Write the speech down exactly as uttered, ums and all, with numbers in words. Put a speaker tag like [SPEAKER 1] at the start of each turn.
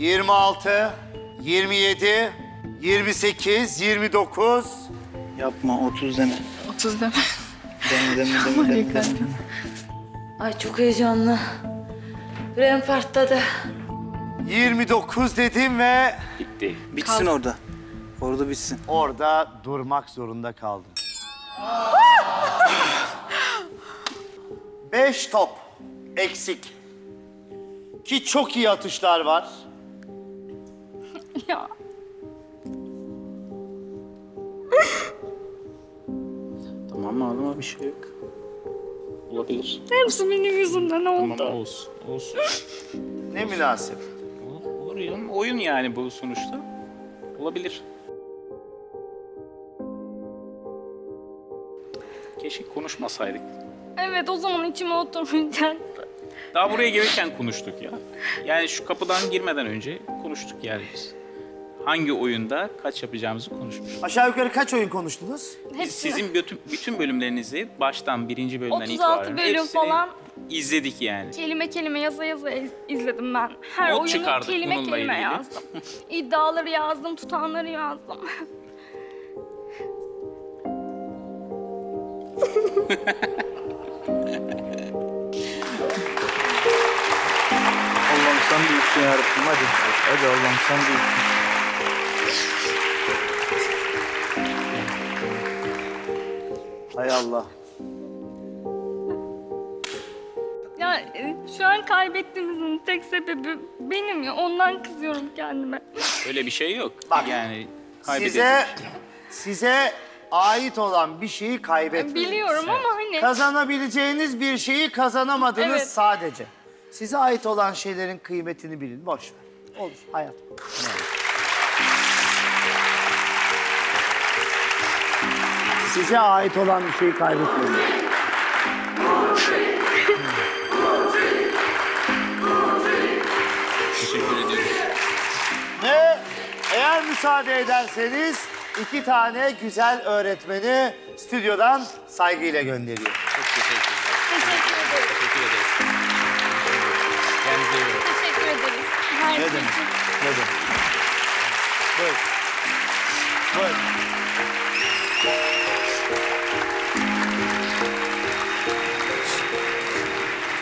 [SPEAKER 1] yirmi altı, yirmi yedi, yirmi sekiz, yirmi dokuz.
[SPEAKER 2] Yapma, otuz deme.
[SPEAKER 3] otuz deme.
[SPEAKER 2] Deme, deme, deme, deme, deme.
[SPEAKER 4] Ay çok heyecanlı. Yüreğim fartladı.
[SPEAKER 1] yirmi dokuz dedim ve
[SPEAKER 5] Bitti.
[SPEAKER 2] Bitsin orada. Orada bitsin.
[SPEAKER 1] orada durmak zorunda kaldım. Beş top eksik. Ki çok iyi atışlar var.
[SPEAKER 3] Ya.
[SPEAKER 5] Tamam ağlama, bir şey yok. Olabilir.
[SPEAKER 3] Hepsi benim yüzümden oldu.
[SPEAKER 5] Tamam, olsun. Olsun.
[SPEAKER 1] Ne münasebet.
[SPEAKER 5] Olur, olur ya. Oyun yani bu sonuçta. Olabilir. Keşke konuşmasaydık.
[SPEAKER 3] Evet, o zaman içime oturmayacaktı.
[SPEAKER 5] Daha buraya gelirken konuştuk ya. Yani şu kapıdan girmeden önce konuştuk yani biz. Hangi oyunda kaç yapacağımızı konuşmuştuk.
[SPEAKER 1] Aşağı yukarı kaç oyun konuştunuz?
[SPEAKER 3] Hepsini.
[SPEAKER 5] Sizin bütün, bütün bölümlerinizi baştan birinci bölümden
[SPEAKER 3] otuz
[SPEAKER 5] itibaren
[SPEAKER 3] altı bölüm
[SPEAKER 5] hepsini
[SPEAKER 3] falan
[SPEAKER 5] izledik yani.
[SPEAKER 3] kelime kelime yaza yaza iz- izledim ben. Her
[SPEAKER 5] Not
[SPEAKER 3] oyunu
[SPEAKER 5] çıkardık
[SPEAKER 3] kelime
[SPEAKER 5] bununla
[SPEAKER 3] kelime
[SPEAKER 5] ilgili.
[SPEAKER 3] yazdım. İddiaları yazdım, tutanları yazdım.
[SPEAKER 2] Allah'ım sen büyüksün yarabbim, hadi. Hadi Allah'ım sen büyüksün.
[SPEAKER 1] Hay Allah.
[SPEAKER 3] Ya e, şu an kaybettiğimizin tek sebebi benim ya. Ondan kızıyorum kendime.
[SPEAKER 5] Öyle bir şey yok.
[SPEAKER 1] Bak,
[SPEAKER 5] yani kaybedildi.
[SPEAKER 1] Size, size ait olan bir şeyi kaybetmediniz.
[SPEAKER 3] Biliyorum ama hani...
[SPEAKER 1] Kazanabileceğiniz bir şeyi kazanamadınız
[SPEAKER 3] Evet.
[SPEAKER 1] sadece. Size ait olan şeylerin kıymetini bilin. Boş ver. Olur hayat. Size ait olan bir şeyi kaybetmeyin.
[SPEAKER 5] Teşekkür ediyoruz.
[SPEAKER 1] Ve eğer müsaade ederseniz iki tane güzel öğretmeni stüdyodan saygıyla gönderiyor.
[SPEAKER 5] Çok teşekkür ederiz.
[SPEAKER 3] Teşekkür ederiz.
[SPEAKER 5] Teşekkür ederiz. Kendinize iyi bakın.
[SPEAKER 3] Teşekkür ederiz. Her
[SPEAKER 1] Ne
[SPEAKER 3] şey
[SPEAKER 1] demek?
[SPEAKER 3] için.
[SPEAKER 1] Ne demek? Buyurun. Buyurun.